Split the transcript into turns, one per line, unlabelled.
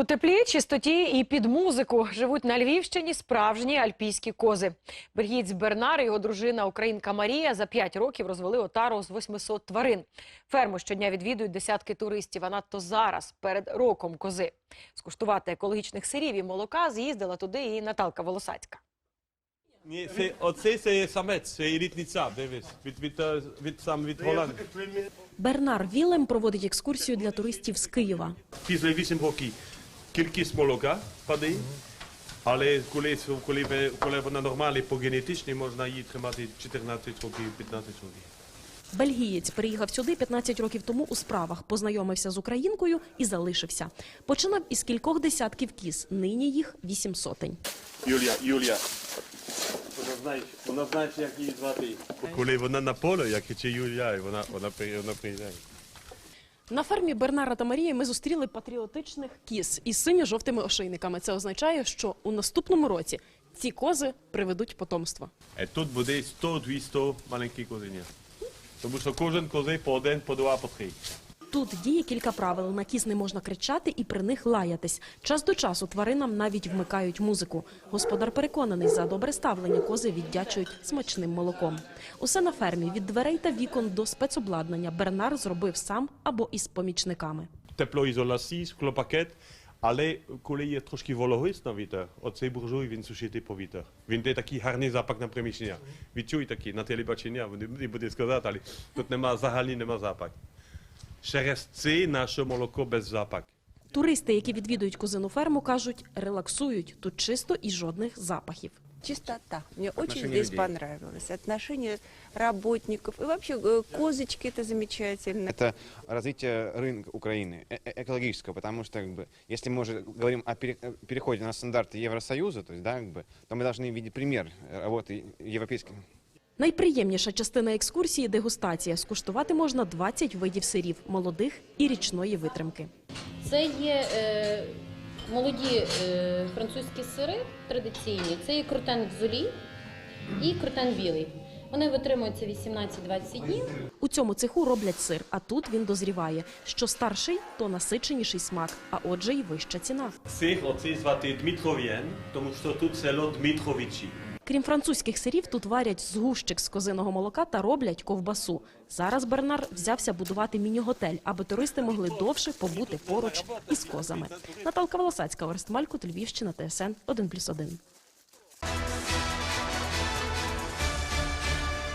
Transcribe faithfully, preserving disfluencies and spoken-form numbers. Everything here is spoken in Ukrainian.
У теплі, чистоті і під музику живуть на Львівщині справжні альпійські кози. Бельгієць Бернар і його дружина українка Марія за п'ять років розвели отару з восьмисот тварин. Ферму щодня відвідують десятки туристів, а надто зараз, перед роком кози. Скуштувати екологічних сирів і молока з'їздила туди і Наталка Волосацька.
Ні, це, оце це самець, це елітниця, дивись, від, від, від, від, сам від Голландії.
Бернар Вілем проводить екскурсію для туристів з Києва.
Після вісім років кількість молока падає, але коли, коли, коли вона нормальна по генетичній, можна її тримати чотирнадцять років, п'ятнадцять років.
Бельгієць переїхав сюди п'ятнадцять років тому у справах, познайомився з українкою і залишився. Починав із кількох десятків кіз, нині їх вісім сотень.
Юлія, Юлія, вона знає, вона знає, як її звати. Коли вона на полі, як чи Юлія, вона, вона, вона приїжджає.
На фермі Бернара та Марії ми зустріли патріотичних кіз із синьо-жовтими ошейниками. Це означає, що у наступному році ці кози приведуть потомство.
І тут буде сто-двісті маленьких козенят. Тому що кожен кози по один, по два, по три.
Тут діє кілька правил. На кіз не можна кричати і при них лаятись. Час до часу тваринам навіть вмикають музику. Господар переконаний, за добре ставлення кози віддячують смачним молоком. Усе на фермі, від дверей та вікон до спецобладнання, Бернар зробив сам або із помічниками.
Теплоізоляція, склопакет, але коли є трошки вологість на вітер, оцей буржуй, він сушити повітря. Він дає такий гарний запах на приміщення. Відчуй такий, на телебачення, не буде сказати, але тут нема, взагалі нема запах. Через це наше молоко без запаху.
Туристи, які відвідують козину ферму, кажуть, релаксують. Тут чисто і жодних запахів.
Чистота. Мне очень здесь понравилось. Отношение работников. И вообще э, козочки это замечательно.
Это развитие рынка Украины, э -э экологического, потому что, как бы, если мы уже говорим о пере переходе на стандарты Евросоюза, то есть, да, как бы, то мы должны видеть пример работы европейских.
Найприємніша частина екскурсії – дегустація. Скуштувати можна двадцять видів сирів – молодих і річної витримки.
Це є е, молоді е, французькі сири традиційні. Це є крутен гзолі і крутен білий. Вони витримуються вісімнадцять-двадцять днів.
У цьому цеху роблять сир, а тут він дозріває. Що старший, то насиченіший смак, а отже й вища ціна.
Сир оцей звати Дмитров'ян, тому що тут село Дмитровичі.
Крім французьких сирів, тут варять згущик з козиного молока та роблять ковбасу. Зараз Бернар взявся будувати міні-готель, аби туристи могли довше побути поруч із козами. Наталка Волосацька, Орест Малькут, Львівщина, Т С Н один плюс один.